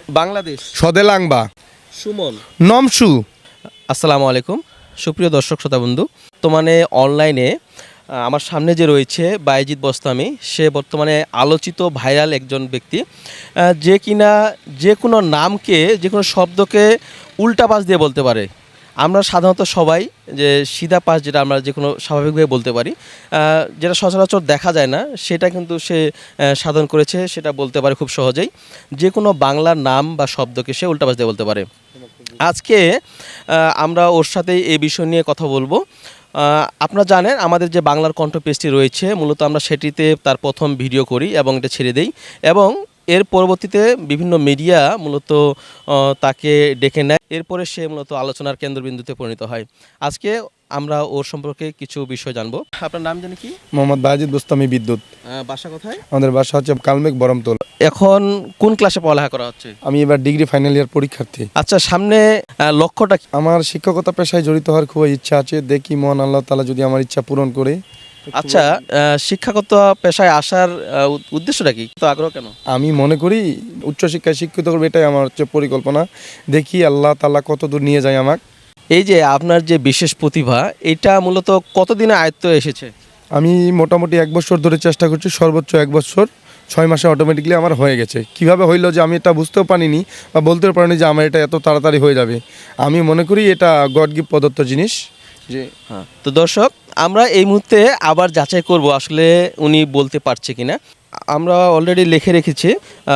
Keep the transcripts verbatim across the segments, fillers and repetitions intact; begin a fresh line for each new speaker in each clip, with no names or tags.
বাংলাদেশ।
সদেলাংবা।
সুমন।
নমসু।
আসসালামু আলাইকুম সুপ্রিয় দর্শক শ্রোতা বন্ধু। বর্তমানে অনলাইনে আমার সামনে যে রয়েছে বাইজিদ বোস্তামি, সে বর্তমানে আলোচিত ভাইরাল একজন ব্যক্তি, যে কিনা যে কোনো নামকে, যে কোনো শব্দকে উল্টা পাশ দিয়ে বলতে পারে। আমরা সাধারণত সবাই যে সিধা পাশ যেটা আমরা যে কোনো স্বাভাবিকভাবে বলতে পারি, যেটা সচরাচর দেখা যায় না, সেটা কিন্তু সে সাধন করেছে, সেটা বলতে পারে খুব সহজেই। যে কোনো বাংলার নাম বা শব্দকে সে উল্টা পাশ দিয়ে বলতে পারে। আজকে আমরা ওর সাথে এই বিষয় নিয়ে কথা বলবো। আপনারা জানেন আমাদের যে বাংলার কণ্ঠ পেজটি রয়েছে, মূলত আমরা সেটিতে তার প্রথম ভিডিও করি এবং এটা ছেড়ে দেই, এবং এর পরবর্তীতে বিভিন্ন মিডিয়া মূলত তাকে ডেকে নেয়। এরপরে সে মূলত আলোচনার কেন্দ্রবিন্দুতে পরিণত হয়। আজকে আমরা ওর সম্পর্কে কিছু বিষয় জানবো। আপনার নাম জানি কি?
মোহাম্মদ বাইজিদ বোস্তামি বিদ্যুৎ।
বাসা কোথায়?
আমাদের বাসা হচ্ছে কালমেঘ বরমতল।
এখন কোন ক্লাসে পড়ালেখা করা হচ্ছে?
আমি এবার ডিগ্রি ফাইনাল ইয়ার পরীক্ষার্থী।
আচ্ছা, সামনে লক্ষ্যটা কি?
আমার শিক্ষকতা পেশায় জড়িত হওয়ার খুব ইচ্ছা আছে, দেখি মহান আল্লাহ তাআলা যদি আমার ইচ্ছা পূরণ করে।
আচ্ছা, শিক্ষাগত পেশায় আসার উদ্দেশ্যটা কি, তো আগ্রহ কেন?
আমি মনে করি উচ্চশিক্ষায় শিক্ষিত করবে, এটাই আমার হচ্ছে পরিকল্পনা। দেখি আল্লাহ তাআলা কত দূর নিয়ে যায় আমাকে।
এই যে আপনার যে বিশেষ প্রতিভা, এটা মূলত কতদিনে আয়ত্ত এসেছে?
আমি মোটামুটি এক বছর ধরে চেষ্টা করছি, সর্বোচ্চ এক বছর ছয় মাসে অটোমেটিকলি আমার হয়ে গেছে। কিভাবে হইলো যে আমি এটা বুঝতেও পারিনি বা বলতেও পারিনি যে আমার এটা এত তাড়াতাড়ি হয়ে যাবে। আমি মনে করি এটা গড গিফট প্রদত্ত জিনিস। যে
হ্যাঁ, তো দর্শক, আমরা এই মুহূর্তে আবার যাচাই করব আসলে উনি বলতে পারছে কিনা। আমরা অলরেডি লিখে রেখেছি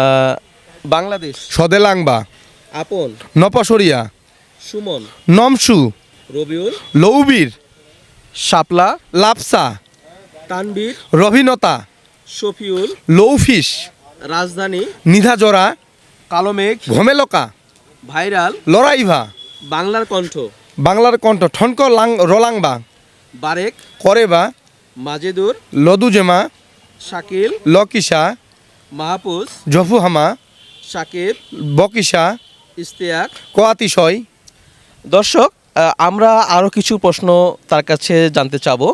বাংলাদেশ।
সদেলাংবা।
আপন।
নপসরিয়া।
সুমন।
নমসু।
রবিউল।
লৌবীর।
শাপলা।
লাপসা।
তানবীর।
রবিনতা।
শফিউল।
লৌফিস।
রাজধানী।
নিধাজরা।
কালোমেঘ।
ঘমেলকা।
ভাইরাল।
লড়াইভা।
বাংলার কণ্ঠ।
বাংলার কণ্ঠ ঠনক লাং রলাংবা।
বারেক।
করেবা।
মাজেদুর।
লদুজেমা।
শাকিল।
লকিসা।
মাহফুজ।
জফুহামা।
শাকিব।
বকিসা।
ইস্তেয়াক।
কোয়াতিশয়।
দর্শক, আমরা আরও কিছু প্রশ্ন তার কাছে জানতে চাবো।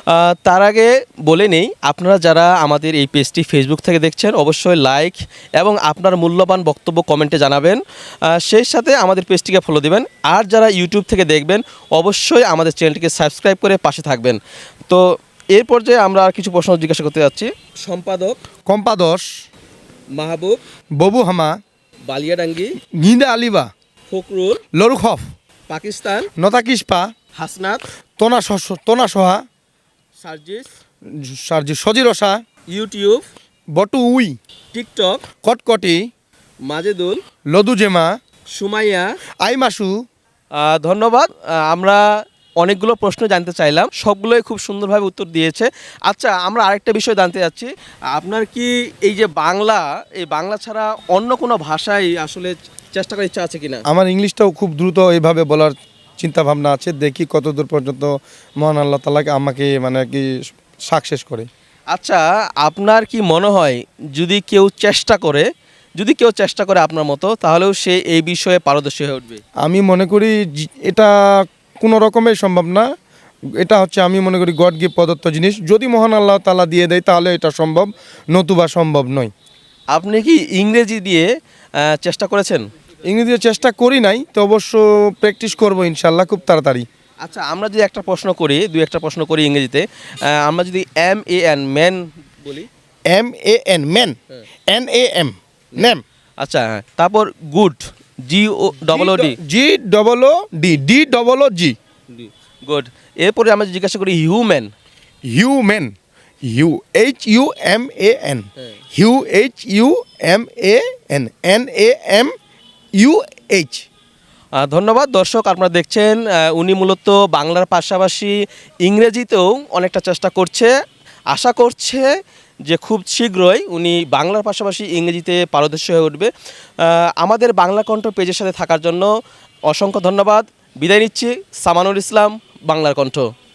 তার আগে বলে নেই, আপনারা যারা আমাদের এই পেজটি ফেসবুক থেকে দেখছেন, অবশ্যই লাইক এবং আপনার মূল্যবান বক্তব্য কমেন্টে জানাবেন। সেই সাথে আমাদের পেজটিকে ফলো দিবেন। আর যারা ইউটিউব থেকে দেখবেন, অবশ্যই আমাদের চ্যানেলটিকে সাবস্ক্রাইব করে পাশে থাকবেন। তো এর পর্যায়ে আমরা আর কিছু প্রশ্ন জিজ্ঞাসা করতে যাচ্ছি। সম্পাদক।
কম্পাদস।
মাহবুব।
ববুহামা।
বালিয়াডাঙ্গি।
গিন্দা আলিবা।
ফকরুল।
লরুখফ।
পাকিস্তান।
নতাকিসপা।
হাসনাত।
তোনা তোনা সোহা।
সার্জিস।
সার্জি সজিরসা।
ইউটিউব।
বটু উই।
টিকটক।
কটকটি।
মাজেদুল।
লদুজেমা।
সুমাইয়া।
আইমাসু।
ধন্যবাদ। আমরা অনেকগুলো প্রশ্ন জানতে চাইলাম, সবগুলোই খুব সুন্দরভাবে উত্তর দিয়েছে। আচ্ছা, আমরা আরেকটা বিষয় জানতে যাচ্ছি। আপনার কি এই যে বাংলা, এই বাংলা ছাড়া অন্য কোনো ভাষায় আসলে চেষ্টা করার ইচ্ছা আছে কিনা?
আমার ইংলিশটাও খুব দ্রুত এইভাবে বলার চিন্তা ভাবনা আছে, দেখি কত দূর পর্যন্ত মহান আল্লাহ তাআলাকে আমাকে মানে কি সাকসেস করে।
আচ্ছা, আপনার কি মনে হয় যদি কেউ চেষ্টা করে যদি কেউ চেষ্টা করে আপনার মতো, তাহলেও সে এই বিষয়ে পারদর্শী হয়ে উঠবে?
আমি মনে করি এটা কোনো রকমের সম্ভব না। এটা হচ্ছে আমি মনে করি গড গিফট প্রদত্ত জিনিস। যদি মহান আল্লাহ তাআলা দিয়ে দেয় তাহলে এটা সম্ভব, নতুবা সম্ভব নয়।
আপনি কি ইংরেজি দিয়ে চেষ্টা করেছেন?
ইংরেজি চেষ্টা করি নাই, তো অবশ্য প্র্যাকটিস করবো ইনশাল্লাহ খুব তাড়াতাড়ি।
আচ্ছা, আমরা যদি একটা প্রশ্ন করি, দুই একটা প্রশ্ন করি ইংরেজিতে, আমরা যদি এম এ এন ম্যান বলি।
M A N man. N A M name.
আচ্ছা, তারপর good. G O double O D.
G double O D. D double O G.
Good. এরপরে আমরা জিজ্ঞাসা করি human.
Human. U H U M A N. Hue H U M A N. N A M U H.
ধন্যবাদ। দর্শক, আপনারা দেখছেন উনি মূলত বাংলার পাশাপাশি ইংরেজিতেও অনেকটা চেষ্টা করছে। আশা করছে যে খুব শীঘ্রই উনি বাংলার পাশাপাশি ইংরেজিতে পারদর্শী হয়ে উঠবে। আমাদের বাংলা কণ্ঠ পেজের সাথে থাকার জন্য অসংখ্য ধন্যবাদ। বিদায় নিচ্ছি। সামানুল ইসলাম, বাংলার কণ্ঠ।